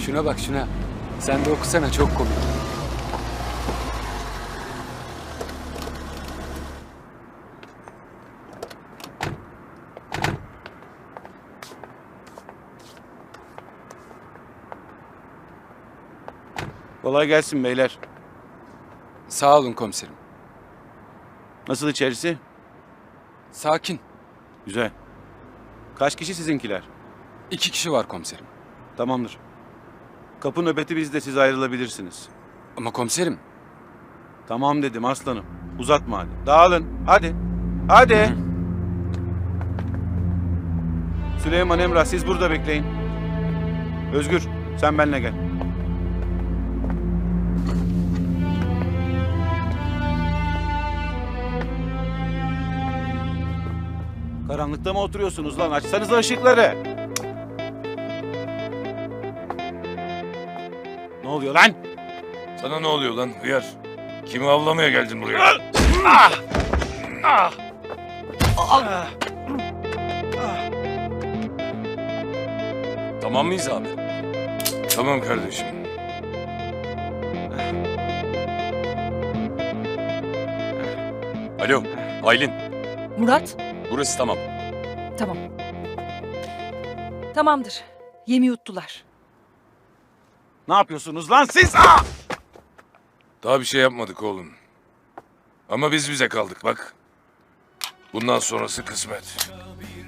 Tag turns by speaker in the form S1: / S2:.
S1: Şuna bak şuna. Sen de okusana, çok komik.
S2: Kolay gelsin beyler.
S1: Sağ olun komiserim.
S2: Nasıl içerisi?
S1: Sakin.
S2: Güzel. Kaç kişi sizinkiler?
S1: 2 kişi var komiserim.
S2: Tamamdır. Kapı nöbeti bizde, siz ayrılabilirsiniz.
S1: Ama komiserim.
S2: Tamam dedim aslanım. Uzatma hadi. Dağılın. Hadi. Hadi. Süleyman, Emrah, siz burada bekleyin. Özgür, sen benimle gel. Karanlıkta mı oturuyorsunuz lan? Açsanıza ışıkları. Ne oluyor lan?
S3: Sana ne oluyor lan hıyar? Kimi avlamaya geldin buraya?
S1: Tamam mıyız abi?
S3: Tamam kardeşim.
S1: Alo, Aylin.
S4: Murat,
S1: Burası tamam.
S4: tamam. Tamamdır. Yemi yuttular.
S2: Ne yapıyorsunuz lan siz?
S3: Daha bir şey yapmadık oğlum. Ama biz bize kaldık bak. Bundan sonrası kısmet.